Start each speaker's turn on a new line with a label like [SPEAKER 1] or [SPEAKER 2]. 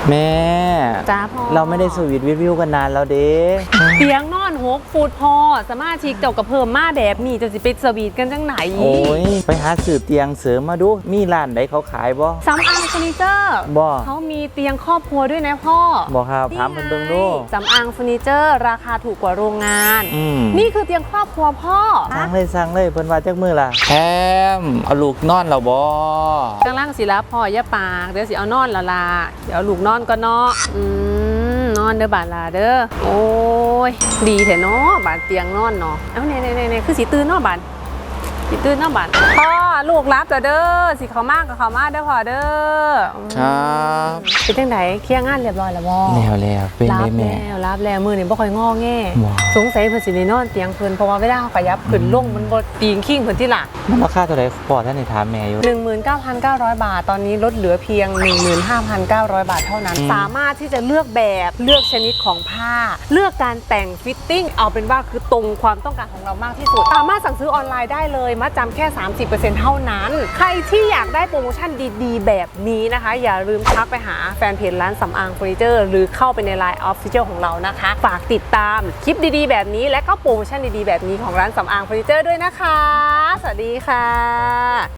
[SPEAKER 1] แม่
[SPEAKER 2] จ้าพ่อ
[SPEAKER 1] เราไม่ได้สวีทวิวกันนานแล้วเด้
[SPEAKER 2] เตียงนอน6 ฟุตพอสมาชิกเจ้ากับเพิ่มมาแบบนี้จะสิไปสวีทกันจังไหน
[SPEAKER 1] โอ้ยไปหาสืบเตียงเสริมมาดูมีร้านไหนเขาขายบ่
[SPEAKER 2] สำอางเฟอร์นิเจอร์
[SPEAKER 1] บ่
[SPEAKER 2] เขามีเตียงครอบครัวด้วยนะพ่อ
[SPEAKER 1] บ่ครับถามเพิ่นเบิ่งดู
[SPEAKER 2] สำอางเฟอร์นิเจอร์ราคาถูกกว่าโรงงานนี่คือเตียงครอบครัวพ่อ
[SPEAKER 1] สั่งเลยเพิ่นว่าจักมื้อล่ะแฮมเอาลูกนอนแล้วบ่
[SPEAKER 2] กำลังสิรับพ่อย่าปากเดี๋ยวสิเอานอนละลาเดี๋ยวลูกนอนก็เนาะนอนเด้อบาดลาเด้อโอ้ยดีแท้เนาะบาดเตียงนอนเนาะเอ้าเนี่ยคือสิตื่นเนาะบาดสิตื่นเนาะบาดพ่อลูกรับเด้อสิเขามากกับเขามาเด้อพ่อเด้อ
[SPEAKER 1] ครับ
[SPEAKER 2] เป็นจังไดเคลียร์งานเรียบร้อยแล้วบ่
[SPEAKER 1] แล้วเป็นได้แม่
[SPEAKER 2] รับแล้วมื้อนี้บ่ค่อยงอแงสงสัยเพิ่นสิได้นอนเตียงเพิ่นเพราะว่าเวลาเฮาขยับขึ้นลงมันบ่ปีงขิงเพิ่นที่ล่ะ
[SPEAKER 1] มันราคาเท่าไหร่พ่อท่านได้ถามแม่อยู่
[SPEAKER 2] 19,900 บาทตอนนี้ลดเหลือเพียง 15,900 บาทเท่านั้นสามารถที่จะเลือกแบบเลือกชนิดของผ้าเลือกการแต่งฟิตติ้งเอาเป็นว่าคือตรงความต้องการของเรามากที่สุดสามารถสั่งซื้อออนไลน์ได้เลยมัดจำแค่ 30% เท่านั้นใครที่อยากได้โปรโมชั่นดีๆแบบนี้นะคะอย่าลืมทักไปหาแฟนเพจร้านสำอางเฟอร์นิเจอร์หรือเข้าไปใน LINE Official ของเรานะคะฝากติดตามคลิปดีๆแบบนี้และก็โปรโมชั่นดีๆแบบนี้ของร้านสำอางเฟอร์นิเจอร์ด้วยนะคะสวัสดีค่ะ